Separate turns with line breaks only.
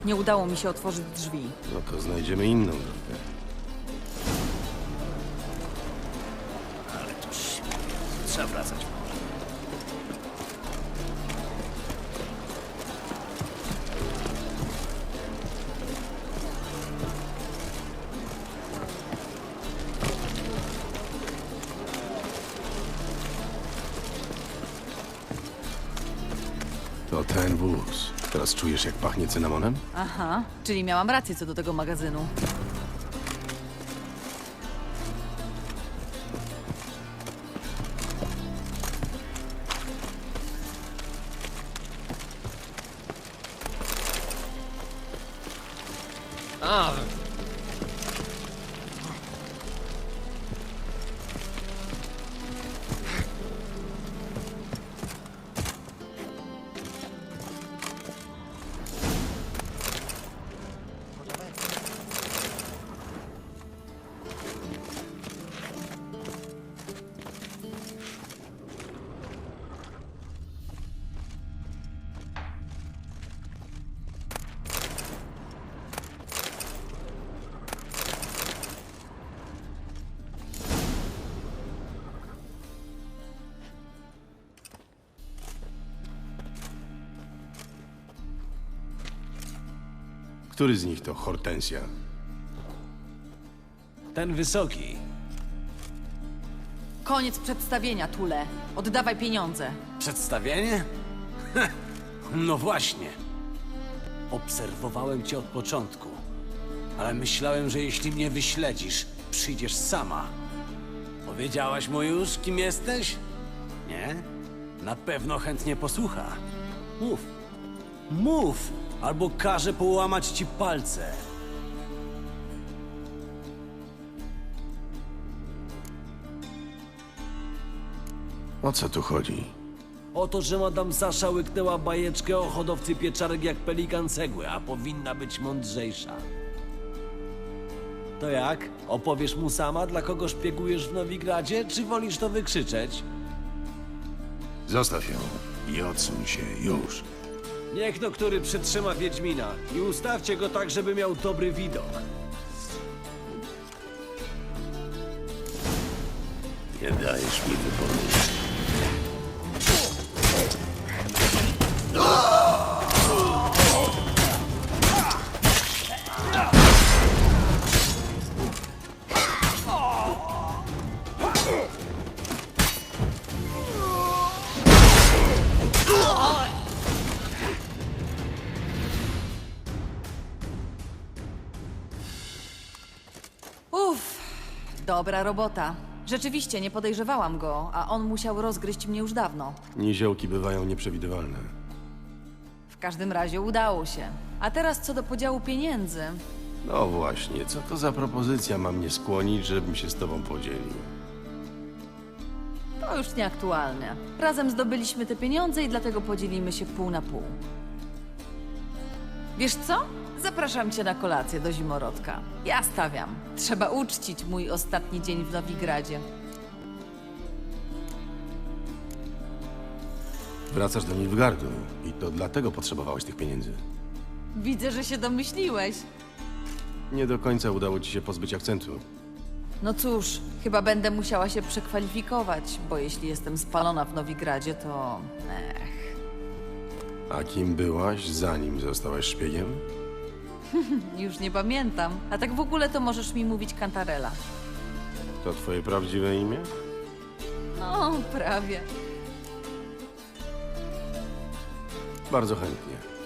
Nie udało mi się otworzyć drzwi.
No to znajdziemy inną drogę.
Ale to śmiech. Trzeba wracać może.
To ten wóz. Teraz czujesz, jak pachnie cynamonem?
Aha, czyli miałam rację co do tego magazynu.
Który z nich to Hortensja?
Ten wysoki.
Koniec przedstawienia, Tule. Oddawaj pieniądze.
Przedstawienie? No właśnie. Obserwowałem cię od początku. Ale myślałem, że jeśli mnie wyśledzisz, przyjdziesz sama. Powiedziałaś mu już, kim jesteś? Nie? Na pewno chętnie posłucha. Mów. Mów! Albo każę połamać ci palce.
O co tu chodzi?
O to, że Madame Sasza łyknęła bajeczkę o hodowcy pieczarek jak pelikan cegły, a powinna być mądrzejsza. To jak? Opowiesz mu sama, dla kogo szpiegujesz w Nowigradzie, czy wolisz to wykrzyczeć?
Zostaw ją i odsuń się już.
Niech no który przytrzyma Wiedźmina i ustawcie go tak, żeby miał dobry widok.
Nie dajesz mi wypowiedzieć.
Uff, dobra robota. Rzeczywiście nie podejrzewałam go, a on musiał rozgryźć mnie już dawno.
Niziołki bywają nieprzewidywalne.
W każdym razie udało się. A teraz co do podziału pieniędzy.
No właśnie, co to za propozycja ma mnie skłonić, żebym się z tobą podzielił?
To już nieaktualne. Razem zdobyliśmy te pieniądze i dlatego podzielimy się pół na pół. Wiesz co? Zapraszam cię na kolację do zimorodka. Ja stawiam. Trzeba uczcić mój ostatni dzień w Nowigradzie.
Wracasz do Nilfgaardu i to dlatego potrzebowałeś tych pieniędzy.
Widzę, że się domyśliłeś.
Nie do końca udało ci się pozbyć akcentu.
No cóż, chyba będę musiała się przekwalifikować, bo jeśli jestem spalona w Nowigradzie, to...
A kim byłaś, zanim zostałaś szpiegiem?
Już nie pamiętam. A tak w ogóle to możesz mi mówić Cantarella.
To twoje prawdziwe imię?
No, prawie.
Bardzo chętnie.